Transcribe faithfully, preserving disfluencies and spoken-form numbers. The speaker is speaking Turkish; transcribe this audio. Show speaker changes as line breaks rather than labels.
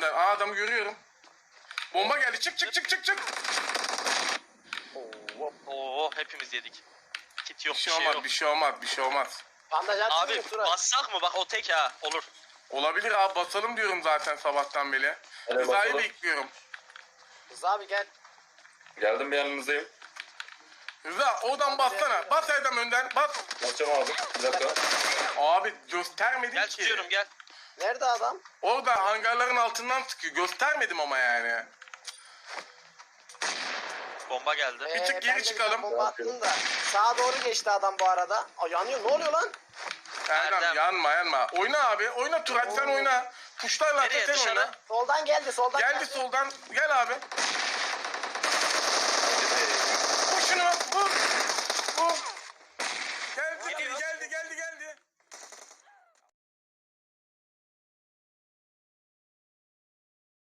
sen. Aa adamı görüyorum. Bomba geldi. Çık çık çık çık çık.
Oo,
Oo hepimiz yedik. Kit yok
Bir
bir
şey
şey
olmaz,
yok.
bir şey olmaz, bir şey olmaz.
bandaj attın
Abi
mı Turay?
bassak mı? Bak o tek ha. Olur.
Olabilir abi, basalım diyorum zaten sabahtan beri.
Evet,
Rıza'yı
basalım.
bekliyorum.
Rıza abi gel.
Geldim bir yanınızdayım.
Rıza oradan bassana. Bas Erdem önden. Bas.
Basacağım abi. Bir dakika.
Abi göstermedin
Gel
ki.
tutuyorum gel.
Nerede adam?
Orada hangarların altından sıkıyor. Göstermedim ama yani.
Bomba geldi.
Bir tık geri
ben de
çıkalım.
Bomba attım da. Sağa doğru geçti adam bu arada. Aa, yanıyor. Ne oluyor lan?
Erdem,
Erdem.
yanma yanma. Oyna abi. Oyna Turan sen
Oo.
oyna. Tuşlarla
Nereye,
sen
dışarı?
oyna.
Soldan geldi. Soldan
Geldi soldan. Gel abi. Vur şunu. Vur. Vur.